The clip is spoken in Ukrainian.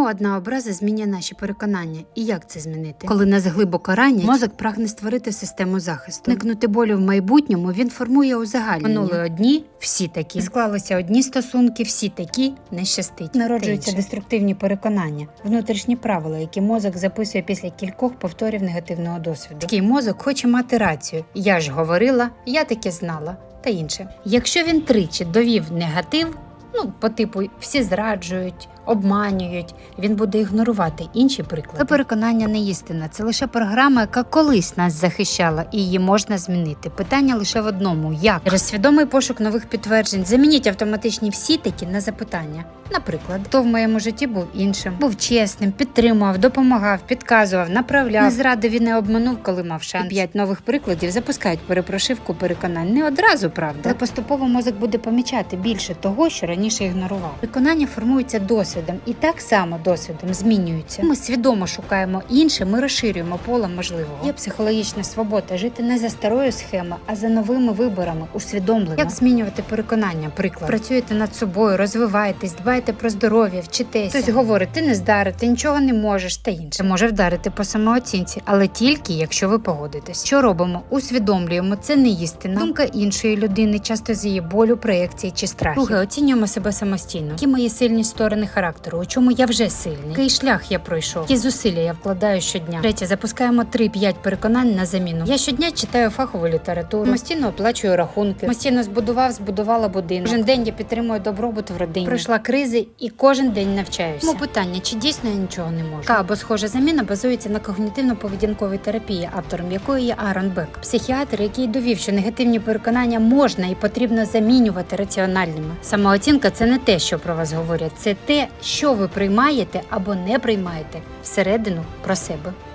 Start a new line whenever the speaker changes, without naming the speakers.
Чому одна образа змінює наші переконання і як це змінити? Коли нас глибоко ранять, мозок прагне створити систему захисту. Уникнути болю в майбутньому він формує узагальнення. Минули одні, всі такі. Склалися одні стосунки, всі такі, не щастить. Народжуються деструктивні переконання, внутрішні правила, які мозок записує після кількох повторів негативного досвіду. Такий мозок хоче мати рацію. Я ж говорила, я таке знала та інше. Якщо він тричі довів негатив, по типу всі зраджують, обманюють, він буде ігнорувати інші приклади. Це переконання не істина, це лише програма, яка колись нас захищала, і її можна змінити. Питання лише в одному – як? Через свідомий пошук нових підтверджень замініть автоматичні всі такі на запитання. Наприклад, хто в моєму житті був іншим, був чесним, підтримував, допомагав, підказував, направляв, не зрадив і не обманув, коли мав шанс. І 5 нових прикладів запускають перепрошивку переконань. Не одразу, правда, але поступово мозок буде помічати більше того, що раніше ігнорував. Переконання формуються досвідом і так само досвідом змінюються. Ми свідомо шукаємо інше, ми розширюємо поле можливого. Є психологічна свобода жити не за старою схемою, а за новими виборами, усвідомлено. Як змінювати переконання? Приклад. Працюєте над собою, розвиваєтесь, дбаєте про здоров'я, вчитеся. Хтось говорить, ти не здари, ти нічого не можеш та інше. Це може вдарити по самооцінці, але тільки, якщо ви погодитесь. Що робимо? Усвідомлюємо, це не істина. Думка іншої людини, часто з її болю, проєкцій чи страхів. Друге, оцінюємо себе самостійно. Які мої сильні сторони характеру, у чому я вже сильний, який шлях я пройшов, які зусилля я вкладаю щодня. Третє, запускаємо 3-5 переконань на заміну. Я щодня читаю фахову літературу, самостійно оплачую рахунки, самостійно збудувала будинок. Кожен день я підтримую добробут в родині. Пройшла кризи і кожен день навчаюся. Тому питання, чи дійсно я нічого не можу? Або схожа заміна базується на когнітивно-поведінковій терапії, автором якої є Аарон Бек. Психіатр, який довів, що негативні переконання можна і потрібно замінювати раціональними. Самооцінка – це не те, що про вас говорять, це те, що ви приймаєте або не приймаєте всередину про себе.